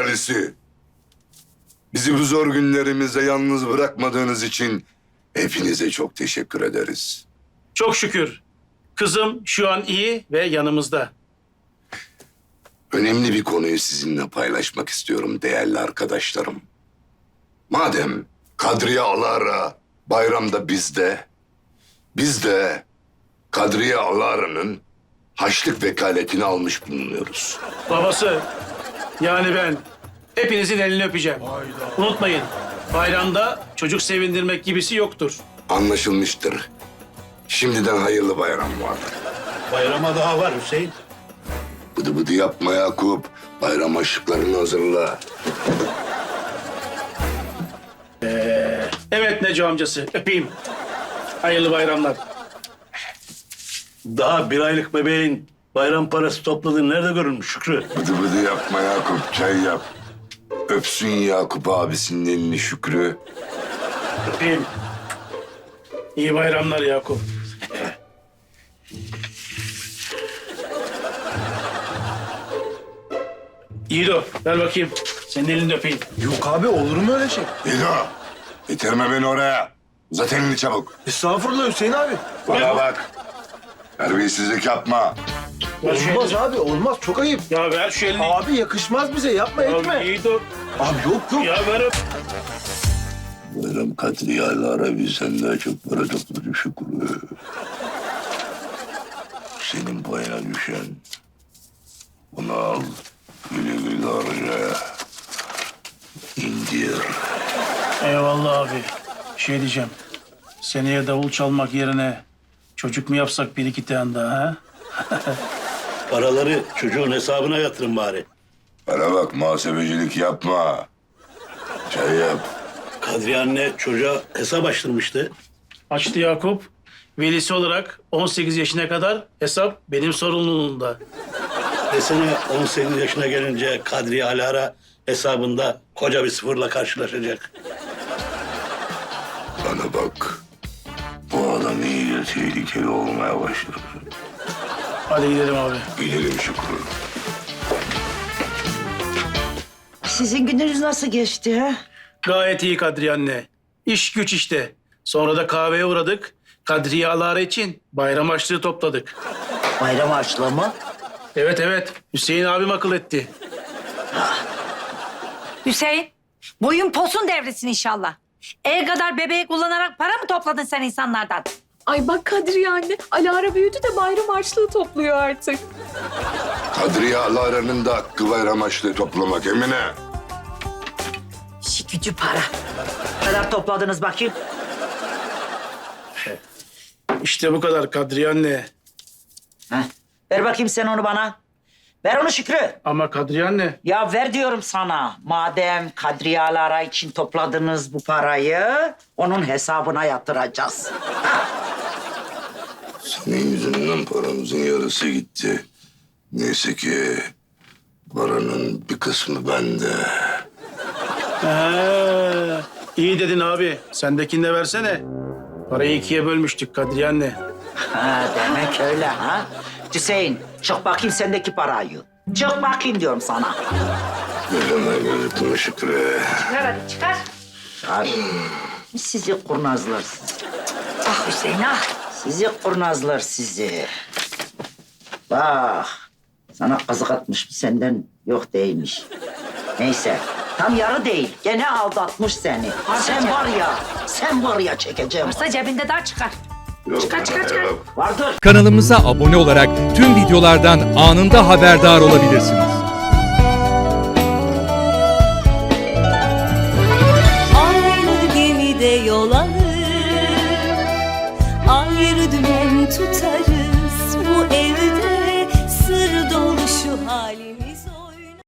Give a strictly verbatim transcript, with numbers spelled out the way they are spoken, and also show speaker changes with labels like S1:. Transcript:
S1: ahalisi. Bizi bu zor günlerimizde yalnız bırakmadığınız için hepinize çok teşekkür ederiz.
S2: Çok şükür. Kızım şu an iyi ve yanımızda.
S1: Önemli bir konuyu sizinle paylaşmak istiyorum değerli arkadaşlarım. Madem Kadriye Alara bayramda bizde, biz de Kadriye Alara'nın haçlık vekaletini almış bulunuyoruz.
S2: Babası, yani ben hepinizin elini öpeceğim. Unutmayın, bayramda çocuk sevindirmek gibisi yoktur.
S1: Anlaşılmıştır. Şimdiden hayırlı bayram var.
S3: Bayrama daha var Hüseyin.
S1: Bıdı bıdı yapma Yakup. Bayram aşıklarını hazırla.
S2: Evet Neco amcası, öpeyim. Hayırlı bayramlar.
S3: Daha bir aylık bebeğin bayram parası topladığını nerede görülmüş Şükrü?
S1: Bıdı bıdı yapma Yakup. Çay yap. Öpsün Yakup abisinin elini Şükrü.
S2: Öpeyim. İyi bayramlar Yakup. Yiğido, ver bakayım. Senin elini de öpeyim.
S4: Yok abi, olur mu öyle şey?
S1: İdo, getirme beni oraya. Uzat elini çabuk.
S4: Estağfurullah Hüseyin abi.
S1: Bana bak. Terbiyesizlik yapma.
S2: Ver şu
S4: Olmaz
S2: elini.
S4: abi, olmaz. Çok ayıp.
S2: Ya ver şu elini.
S4: Abi yakışmaz bize, yapma
S2: Ya
S4: etme.
S2: Yiğido.
S4: Abi yok yok.
S2: Ya ver öp.
S1: Bayram Kadriye Alara bizden daha çok para topladı Şükrü. Senin payına düşen. Bunu al. Güle güle harca. İndir.
S2: Eyvallah abi. Şey diyeceğim. Seneye davul çalmak yerine çocuk mu yapsak bir iki tane daha ha?
S3: Paraları çocuğun hesabına yatırın bari.
S1: Bana bak, muhasebecilik yapma. Çay yap.
S3: Kadriye anne çocuğa hesap açtırmıştı.
S2: Açtı Yakup. Velisi olarak on sekiz yaşına kadar hesap benim sorumluluğumda.
S3: Desene on sekiz yaşına gelince Kadriye Alara hesabında koca bir sıfırla karşılaşacak.
S1: Bana bak. Bu adam iyice tehlikeli olmaya başladı.
S2: Hadi gidelim abi.
S1: Gidelim Şükrü.
S5: Sizin gününüz nasıl geçti ha?
S2: Gayet iyi Kadriye anne. İş güç işte. Sonra da kahveye uğradık. Kadriye Alara için bayram harçlığı topladık.
S5: Bayram harçlığı mı?
S2: Evet evet. Hüseyin abim akıl etti.
S6: Hüseyin, boyun posun devresin inşallah. El kadar bebeği kullanarak para mı topladın sen insanlardan?
S7: Ay bak Kadriye anne, Alara büyüdü de bayram harçlığı topluyor artık.
S1: Kadriye Alara'nın da hakkı bayram harçlığı toplamak Emine.
S6: İşi gücü para.
S5: Ne kadar topladınız bakayım?
S2: İşte bu kadar Kadriye anne.
S5: Heh. Ver bakayım sen onu bana. Ver onu Şükrü.
S2: Ama Kadriye anne.
S5: Ya ver diyorum sana. Madem Kadriye Alara için topladınız bu parayı, onun hesabına yatıracağız.
S1: Senin yüzünden paramızın yarısı gitti. Neyse ki paranın bir kısmı bende.
S2: Ee, iyi dedin abi. Sendekini de versene. Parayı ikiye bölmüştük Kadriye anne.
S5: Ha, demek öyle ha. Hüseyin, çık bakayım sendeki parayı. Çık bakayım diyorum sana.
S1: Gözüme gözükme Şükrü.
S6: Çıkar hadi çıkar.
S5: Ay, sizi kurnazlar sizi.
S6: Ah Hüseyin ah.
S5: Sizi kurnazlar sizi. Bak, sana kazık atmış, senden yok değilmiş. Neyse, tam yarı değil. Gene aldatmış seni. Sen var ya, sen var ya çekeceğim.
S6: Varsa cebinde daha çıkar.
S1: Yok,
S6: Çıkar, çıkar,
S1: bana
S6: çıkar.
S1: yok.
S5: Vardır.
S8: Kanalımıza abone olarak tüm videolardan anında haberdar olabilirsiniz.
S9: Aynı gemide yol alır, ayrı dümen tutarız bu evde.